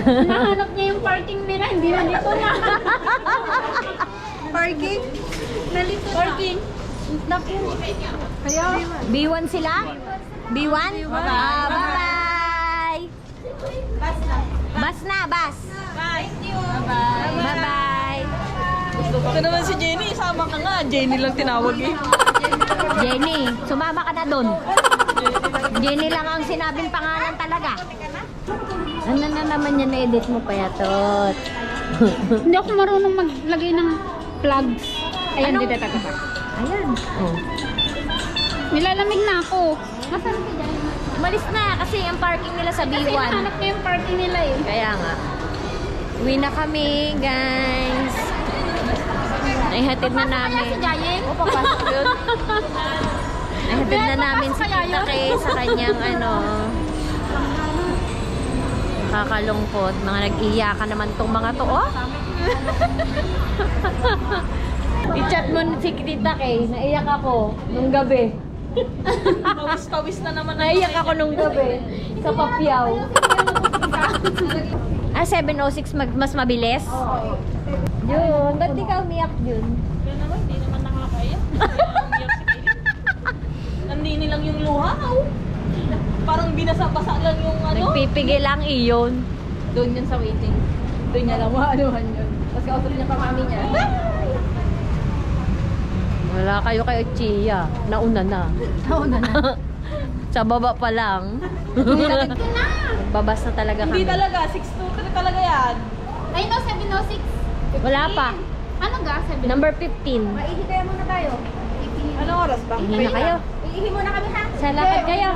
Nahanap niya yung parking nila, hindi na dito na. Parking? Nalito na. Parking. Naku. Kaya, B1 sila? B1? Ah, bye-bye! Bas na, bas! Bye-bye! Ito naman si Jenny, isama ka nga. Jenny lang tinawag eh. Jenny, sumama ka na doon. Jenny lang ang sinabing pangalan talaga. Ano na naman yan, na-edit mo pa yatot. hindi ako marunong maglagay ng plugs. Ayan, Anong- dito taga. Ayan. Oh. Nilalamig na ako. Nasaan ka dyan? Umalis na kasi ang parking nila sa Kasi B1. nahanap ko yung parking nila eh. Kaya nga. Uwi na kami, guys. Naihatid na namin. Si Jayeng? O, papasok yun. Naihatid na namin si Kaya Tita yun? Kay sa kanyang kakalungkot. Mga nag-iyakan naman tong mga to, oh. I-chat mo si Tita Kay. Naiyak ako nung gabi. Pawis-pawis na naman. Naiyak ako nung gabi sa Papyaw. 7:06 mas mabilis? Oo. Yun, ba't di ka umiyak yun? Kaya naman, hindi naman nakakaya. Nandini lang yung luha. Parang binasa-basa lang yung Nagpipigil lang iyon. Doon yun sa waiting. Doon niya lang maanuhan yun. Tapos kausap niya pa mami niya. Wala kayo kay Chia. Nauna na. Nauna na. Sa baba pa lang. Nagbabas na talaga kami. Hindi talaga, 623 talaga yan. Ay no, 706. Wala pa. Ano ga? 706. Number 15. Maihi kaya muna tayo. Anong oras ba? Ihi na kayo. Iihi muna kami ha. Sa lakad kayo.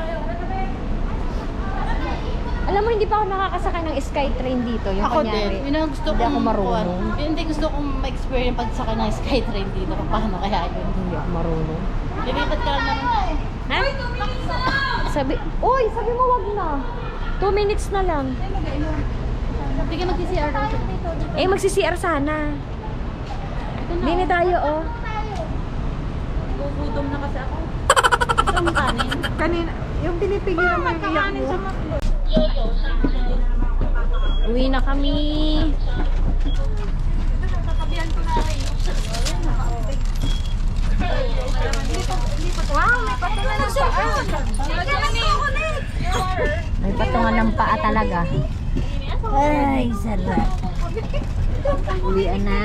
Alam mo, hindi pa ako nakakasakay ng Skytrain dito. Yung Ako kanyari. din. Yun ang gusto Hindi kong ako marunong. kuwan. Hindi gusto kong ma-experience pagsakay ng Skytrain dito. Kung paano kaya yun. Hindi ako marunong. Lilipat ka lang naman. Ha? Sabi mo wag na. 2 minutes na lang. Hindi ka mag-CR daw. Eh, magsi-CR sana. Dini tayo, oh. Gugutom na kasi ako. Ang kanin. Kanina, yung pinipigilan mo yung iyak mo. Uwi na kami. Wow, may patuloy na siya. May patungan ng paa talaga. Ay, sarap. Uwian na.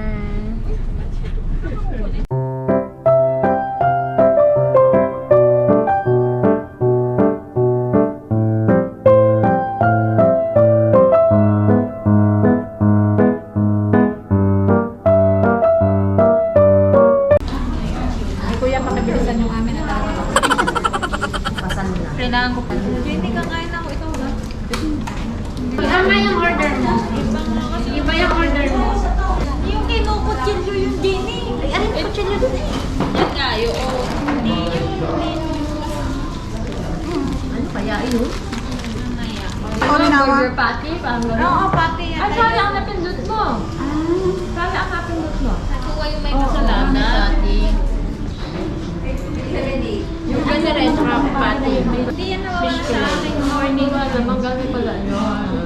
Kuya, pakibilisan yung amin na tawag. Pasan na. Kailangan ko. Hindi ka kain ako. Ito ba? Iba yung order mo. Iba yung order mo. Yung kinukutsilyo yung Jenny. Ay, ano yung kutsilyo dun eh? Yan nga, yung Ano kaya yun? burger patty. Oo, patty yan. Ay, sorry, ang napindot mo. Sorry, ang napindot mo. Nakuha yung may kasalanan. Yung ganyan rin, sarap pati. Hindi yan nawawala sa akin. Hindi ko alam, ang galing pala nyo.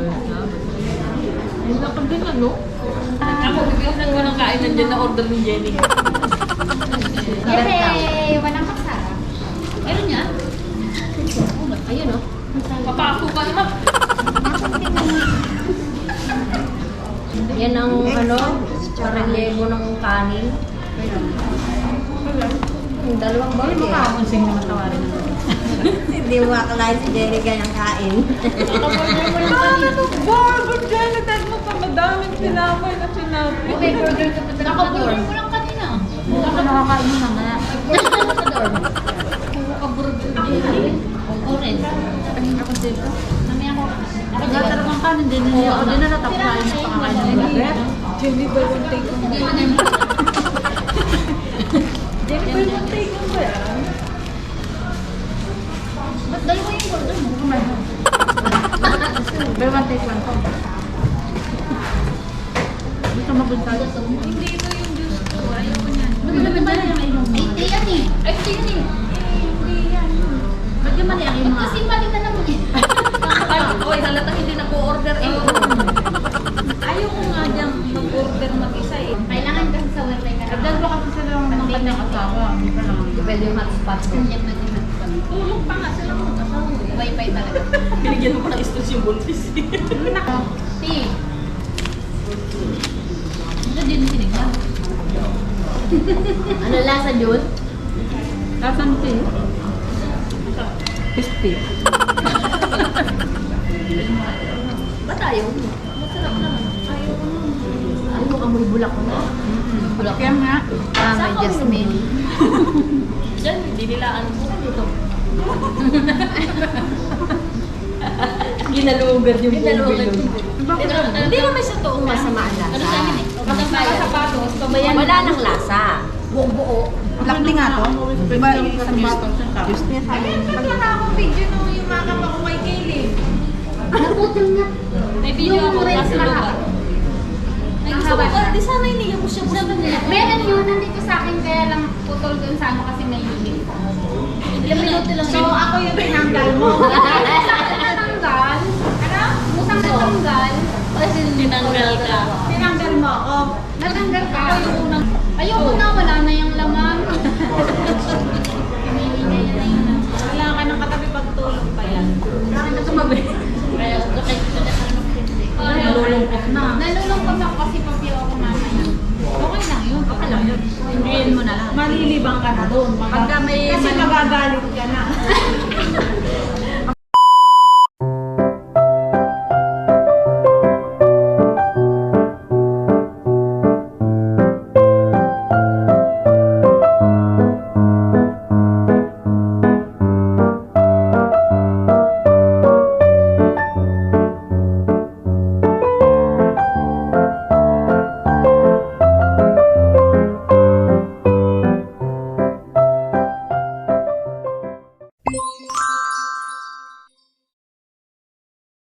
Hindi na din ano? Ako, bibigyan ko ng kain nandiyan na order ni Jenny. Yay! Walang kasara. Meron niya? Ayun oh. Papasukan naman. Yan ang ano, parelyebo ng kanin. Yung dalawang burger. Makakunsing naman tawarin naman. Hindi mo akalain si Jerry ganyang kain. Burger dyan! Nagtag mo pa madaming sinamay na sinabi. May burger ka pa sa Nakaburger mo lang kanina. Baka nakakain na nga. Nakaburger din. Oo rin. Ako dito. Mamaya ako. Nakatarap ang kanin din niya. Ako din na natapakain sa pakakain ng burger. Jenny, ba yung take ko? Hindi mo na yung Jenny, ba yung take ko ba yan? ba't dalawa yung burger mo? Buy one, take one po. Gusto magunta. Hindi ito yung juice ko. Ayaw ko niyan. Ba't naman dala yung ilong mo? Ay, yan eh. Ay, hindi. Hindi yan. Ba't yung mali ang mga? Kasi mali na naman eh. Ay, oy, halatang hindi na po order eh. kanyang asawa. Hindi pa lang. Pwede yung hotspot ko. Tulog pa nga silang mag-asawa. Wi-Fi talaga. Binigyan mo pa ng stress yung buntis. Ti. Ito din sinigyan. Ano lasa yun? Lasang tea. Crispy. Ba't ayaw mo? Masarap naman. Ayaw mo. Ay, yung amoy bulak ko na. Bulak yan nga. Ah, may jasmine. Diyan, dinilaan mo. Dito. Ginalugar yung Dinalugan bubilo. yung Hindi naman sa toong masama ang lasa. Ano sa akin eh? Kapag nakasapatos, pabayan. Wala nang lasa. Buong-buo. Black tea nga to? Diba yung sa mistos? Nagkala akong video nung yung mga ko kay Kaylin. Naputol na. May video ako Yung nasa red lugar. mahaba. Ay, gusto ko ba? Di sana iniyak mo siya. Meron yun, nandito sa akin, kaya lang putol dun sa ano kasi may unit. Ilang minuto lang So, ako yung tinanggal mo. Musang natanggal. Ano? Musang natanggal. Kasi tinanggal ka. Tinanggal mo ako. Natanggal ka. Ako yung unang... Ayoko na, wala na yung laman. Pinili niya yan na yun. Wala ka ng katabi pagtulog pa yan. Bakit ka tumabi? Kaya nakikita na kami Nalulungkot na. Nalulungkot ako kasi papiyo ako mamaya. Okay lang yun. Okay lang yun. Hindiin mo na lang. Malilibang ka na doon. Pagka may... Kasi magagalit ka na.